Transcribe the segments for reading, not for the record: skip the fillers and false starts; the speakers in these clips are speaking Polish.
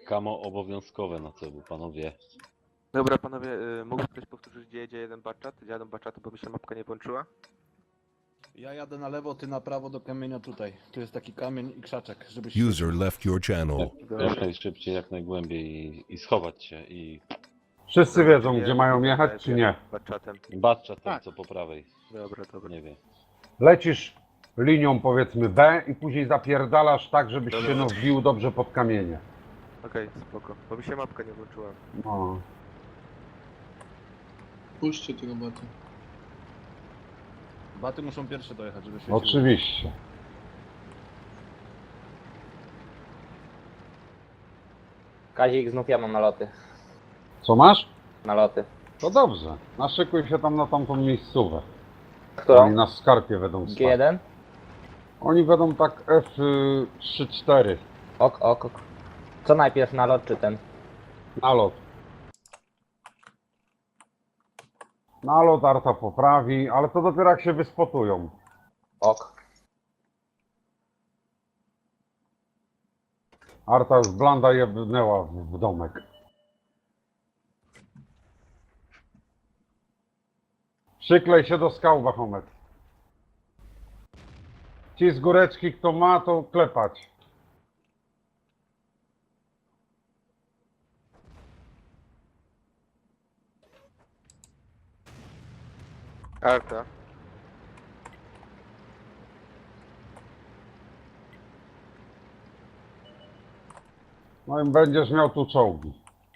Kamo obowiązkowe na celu, panowie. Dobra, panowie, mógłby ktoś powtórzyć, gdzie jedzie jeden baczat? Jadą baczaty, bo mi się mapka nie włączyła. Ja jadę na lewo, ty na prawo do kamienia tutaj. Tu jest taki kamień i krzaczek, żebyś... User left your channel. Dobra. Najszybciej, jak najgłębiej i schować się i Wszyscy wiedzą, Czyli gdzie ja mają jedę jechać, czy nie. Baczatem. baczat ten, Tak. co po prawej. Dobra, dobra. Nie wiem. Lecisz linią, powiedzmy, B i później zapierdalasz tak, żebyś się no wbił dobrze pod kamienie. Okej, spoko. Bo mi się mapka nie włączyła. No. Puśćcie tego bota. Baty muszą pierwsze dojechać, żeby świeciły. Oczywiście. Kazik, znów ja mam naloty. Co masz? Naloty. To dobrze. Naszykuj się tam na tamtą miejscówę. Oni Którą? na skarpie będą stać. G1? Oni będą tak F3-4. Ok, ok, ok. Co najpierw, nalot czy ten? Nalot. Nalot Arta poprawi, ale to dopiero jak się wyspotują. Ok. Arta już blanda jebnęła w domek. Przyklej się do skał, Bachomet. Ci z góreczki, kto ma, to klepać. Arta. No i będziesz miał tu czołgi.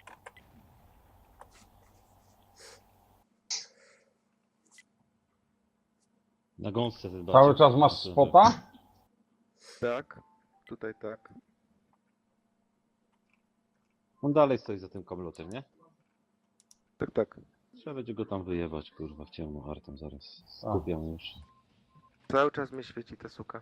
Na gąsce ten Cały baczat. czas masz spota? Tak. Tutaj tak. On dalej stoi za tym kamlotem, nie? Tak, tak. Trzeba będzie go tam wyjebać, kurwa, w ciemno artem zaraz. Skupiam już. Cały czas mnie świeci ta suka.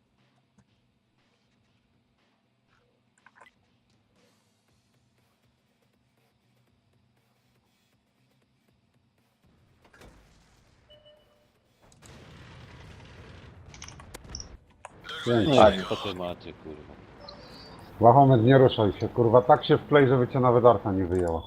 Pięknie. Co ty macie, kurwa. Bachomet, nie ruszaj się, kurwa. Tak się wklej, żeby cię nawet Arta nie wyjęła.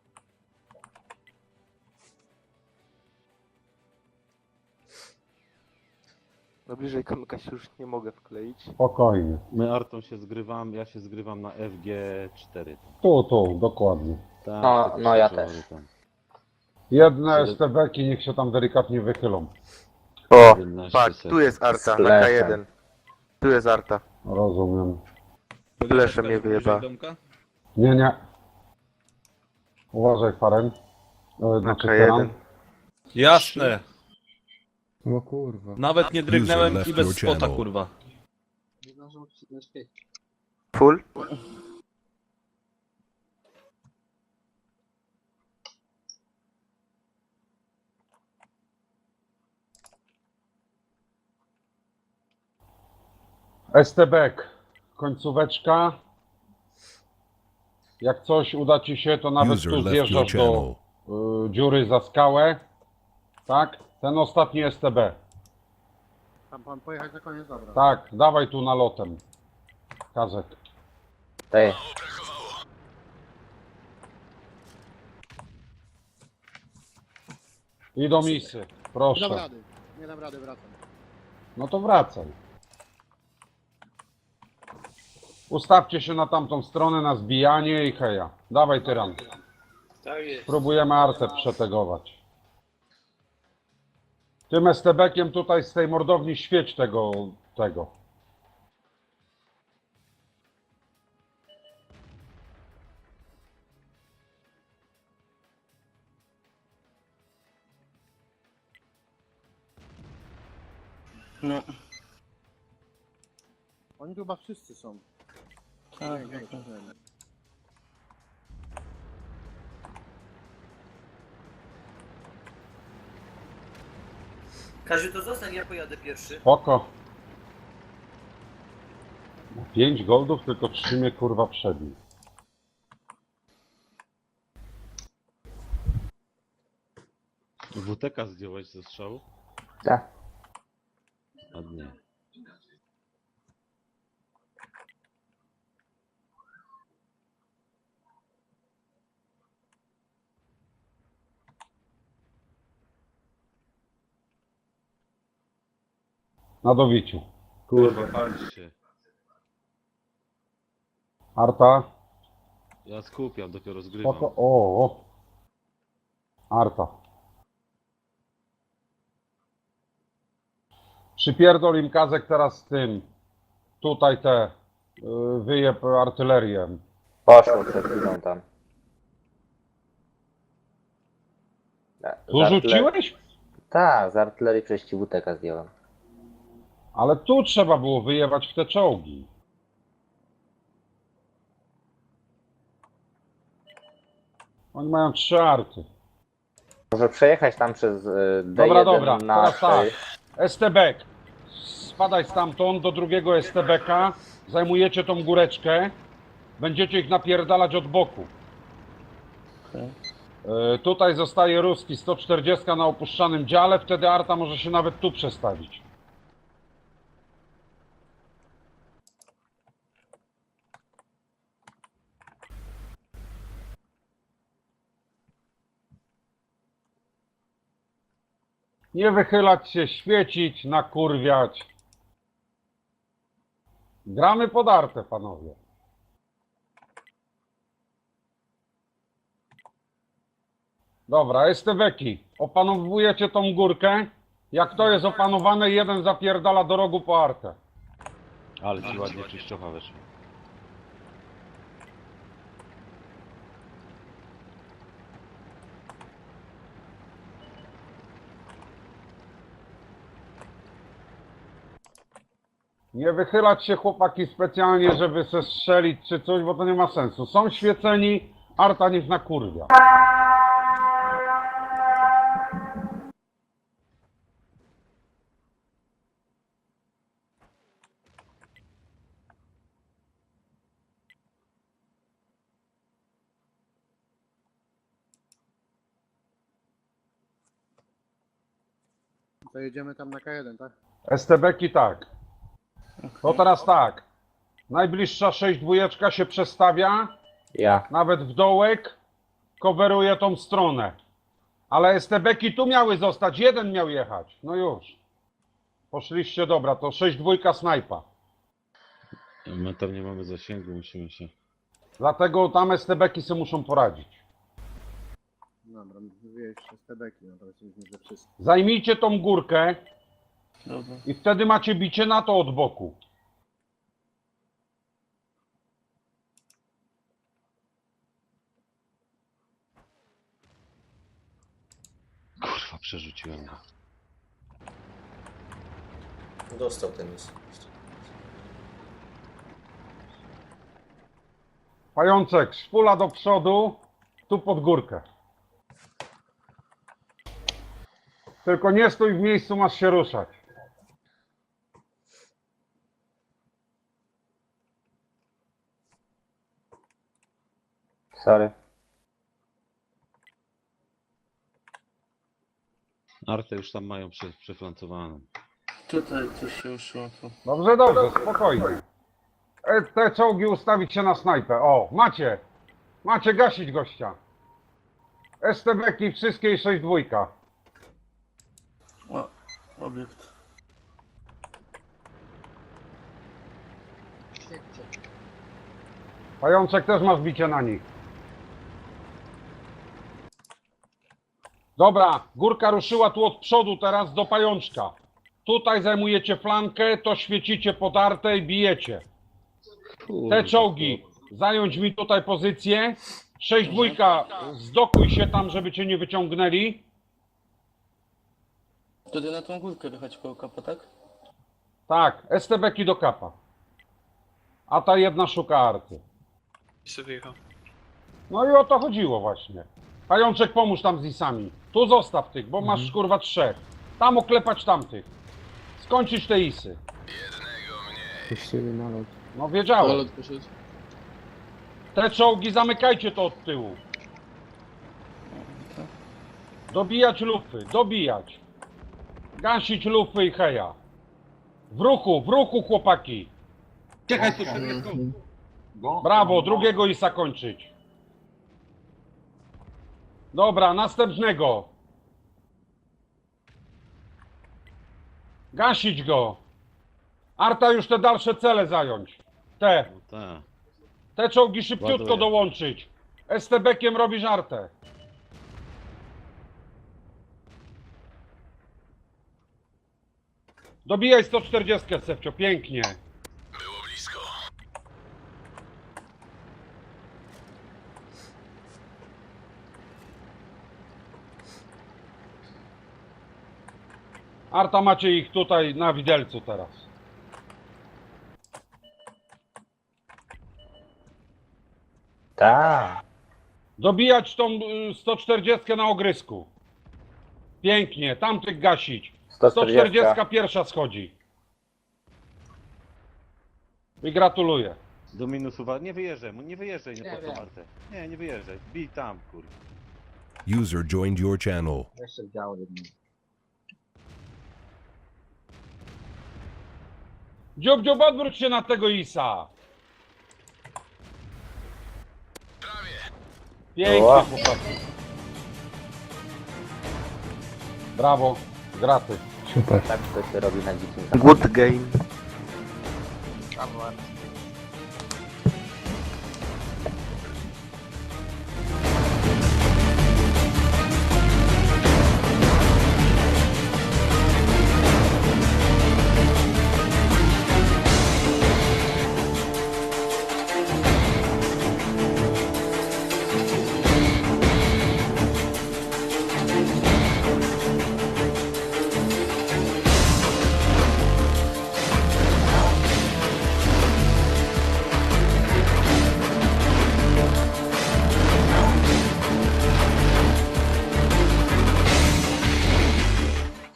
No bliżej kamyka się już nie mogę wkleić. Spokojnie. My artą się zgrywam, ja się zgrywam na FG4. Tu, dokładnie. Tam, No, te no ja krzyżowe też. tam. Jedne STB-ki niech się tam delikatnie wychylą. O! 11 Patrz, tu sekund. jest Arta, Z na lechem. K1. Tu jest Arta. Rozumiem. Lesze mnie wyjeba. Domka? Nie. Uważaj, Faren. Na Znaczy K1. Teran. Jasne! O kurwa. Nawet nie drgnęłem left i bez your spota, channel. kurwa. Full? STB, końcóweczka. Jak coś uda ci się, to nawet User tu left zjeżdżasz your do dziury za skałę. Tak? Ten ostatni STB. Tam pan pojechać na koniec, dobra. Tak, dawaj tu nalotem. Kazek. Ty. I do misy. Nie dam Proszę. rady. Nie dam rady, wracam. No to wracaj. Ustawcie się na tamtą stronę, na zbijanie i heja. Dawaj, tyran. Próbujemy Artę przetegować. Tym STB-kiem tutaj z tej mordowni świeć tego. No. Oni tu chyba wszyscy są. Tak, nie, Kaziu, to zostań, ja pojadę pierwszy. Spoko. 5 goldów, tylko 3 mnie kurwa przebił. WTK zdjąłeś ze strzału? Tak. Ładnie. Na dowiciu. Kurwa, palisz się. Arta. Ja skupiam, dopiero zgrywam. Spoko. O. Arta. Przypierdol im Kazek teraz z tym. Tutaj te. Wyjeb artylerię. Poszło przed chwilą tam. Tu rzuciłeś? Tak, z artylerii przez WTK zdjąłem. Ale tu trzeba było wyjebać w te czołgi. Oni mają 3 arty. Może przejechać tam przez D1 Dobra, dobra, na teraz tak. 6. STB. Spadaj stamtąd do drugiego STB-ka. Zajmujecie tą góreczkę. Będziecie ich napierdalać od boku. Tutaj zostaje ruski 140 na opuszczanym dziale. Wtedy arta może się nawet tu przestawić. Nie wychylać się, świecić, nakurwiać. Gramy pod artę, panowie. Dobra, STB-ki. Opanowujecie tą górkę. Jak to jest opanowane, jeden zapierdala do rogu po artę. Ale ci ładnie czyściocha weszła. Nie wychylać się, chłopaki, specjalnie, żeby se strzelić czy coś, bo to nie ma sensu. Są świeceni, arta niech nakurwia. To jedziemy tam na K1, tak? STB-ki tak. To teraz tak. Najbliższa 6-2 się przestawia, Ja. nawet w dołek, coveruje tą stronę. Ale STB-ki tu miały zostać, jeden miał jechać. No już. Poszliście, dobra, to 6-2 snajpa. My tam nie mamy zasięgu, musimy się... Dlatego tam STB-ki sobie muszą poradzić. Dobra, wieś STB-ki, no to myślę, że wszyscy. Zajmijcie tą górkę i wtedy macie bicie na to od boku. Kurwa, przerzuciłem go. Dostał ten jest. Pajączek, szpula do przodu, tu pod górkę. Tylko nie stój w miejscu, masz się ruszać. Sorry. Artę już tam mają przeflancowaną. Tutaj coś się uszło. Dobrze, dobrze, spokojnie. Te czołgi ustawić się na snajpę. O, macie. Macie gasić gościa. STB-ki wszystkie i 6-2. O, obiekt. Pajączek też masz bicie na nich. Dobra, górka ruszyła tu od przodu teraz do pajączka. Tutaj zajmujecie flankę, to świecicie pod artę i bijecie. Te czołgi, zająć mi tutaj pozycję. 6-2, zdokuj się tam, żeby cię nie wyciągnęli. Wtedy na tą górkę wychać koło kapa, tak? Tak, STB-ki do kapa. A ta jedna szuka arty. No i o to chodziło właśnie. Pajączek, pomóż tam z isami. Tu zostaw tych, bo masz kurwa 3. Tam oklepać tamtych. Skończyć te isy. No wiedziałem. Te czołgi zamykajcie to od tyłu. Dobijać lufy, dobijać. Gasić lufy i heja. W ruchu chłopaki. Czekaj, słyszę. Brawo, drugiego isa kończyć. Dobra, następnego. Gasić go. Arta już te dalsze cele zająć. Te. No tak. Te czołgi szybciutko Ładuję. dołączyć. STB-kiem robisz Artę. Dobijaj 140, Sefcio, pięknie. Arta, macie ich tutaj na widelcu teraz. Tak. Dobijać tą 140 na ogrysku. Pięknie, tamtych gasić. 140 pierwsza schodzi. I gratuluję. Do minusuwa. Nie wyjeżdżaj, nie wyjeżdżaj, nie po co Martę. Nie wyjeżdżaj. Bij tam, kurwa. User joined your channel. Jeszcze działo jedno. Dziób, dziób, odwróć się na tego Isa. Pięknie, Ła. chłopaki. Brawo, graty. Tak to się robi na dzikim. Good game. Brawo, Artem.